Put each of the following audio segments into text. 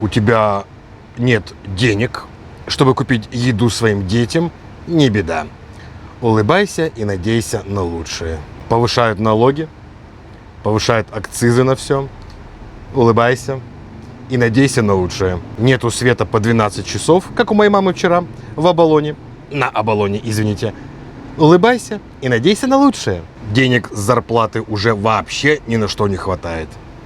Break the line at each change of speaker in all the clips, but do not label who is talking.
у тебя нет денег, чтобы купить еду своим детям, не беда. Улыбайся и надейся на лучшее. Повышают налоги, повышают акцизы на все. Улыбайся и надейся на лучшее. Нету света по 12 часов, как у моей мамы вчера в Оболоне. На Оболоне, извините. Улыбайся и надейся на лучшее. Денег с зарплаты уже вообще ни на что не хватает.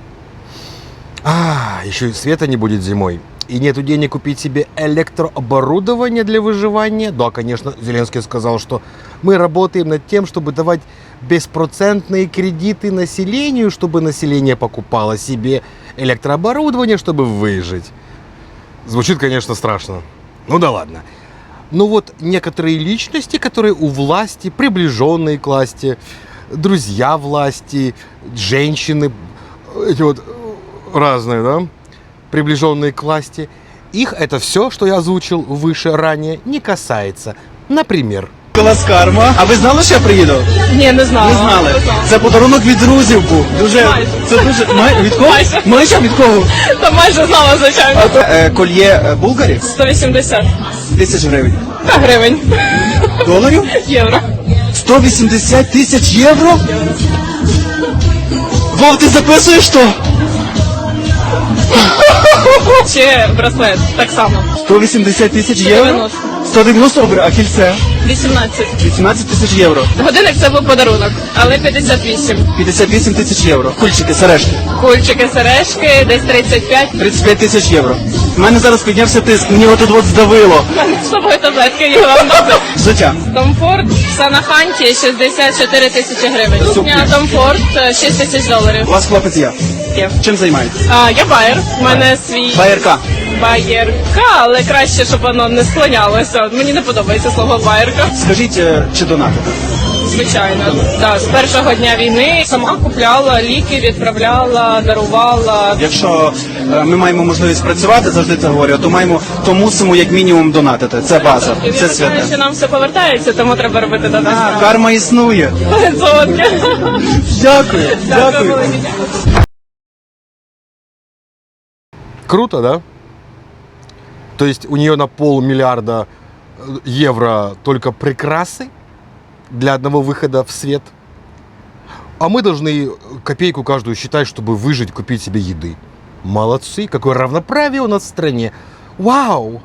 Еще и света не будет зимой. И нету денег купить себе электрооборудование для выживания. Да, конечно, Зеленский сказал, что мы работаем над тем, чтобы давать беспроцентные кредиты населению, чтобы население покупало себе электрооборудование, чтобы выжить. Звучит, конечно, страшно. Ну да ладно. Но вот некоторые личности, которые у власти, приближенные к власти, друзья власти, женщины, эти вот разные, да, приближенные к власти, их это все, что я озвучил выше ранее, не касается. Например,
Карма. А ви знали, що я приїду?
Ні, не знала.
Не знали. Це подарунок від друзів був. Це дуже... Від кого? Майже від кого?
Та майже знала, звичайно.
Кольє булгарів?
180
1000 гривень.
та гривень.
Доларів?
Євро.
180 тисяч євро? Вов, ти записуєш що?
Чи браслет, так само.
180 тисяч євро?
190.
190 добре, а кільце?
18.
18 тисяч євро.
Годинник це був подарунок, але 58.
58 тисяч євро. Кульчики, сережки.
Кульчики, сережки, десь 35.
35 тисяч євро. У мене зараз піднявся тиск, мені отут от здавило.
У мене з собою таблетки є вам дати.
Життя.
Комфорт в Санаханті 64 тисячі гривень.
Супер.
Кухня Комфорт 6 тисяч доларів.
У вас хлопець є.
Є.
Чим займаєтесь?
Я байер. У мене свій
Байерка.
байерка, але краще, щоб воно не склонялося. Мені не подобається слово байерка.
Скажіть, чи донатите?
Звичайно, так. З першого дня війни сама купляла ліки, відправляла, дарувала.
Якщо ми маємо можливість працювати, завжди це говорю, то мусимо як мінімум донатити. Це база,
І
це
я знаю, що
святе.
нам все повертається, тому треба робити донат.
Карма існує. Дякую, дякую.
круто, да? То есть у нее на 500 миллиарда евро только прикрасы для одного выхода в свет. А мы должны копейку каждую считать, чтобы выжить, купить себе еды. Молодцы, какое равноправие у нас в стране. Вау!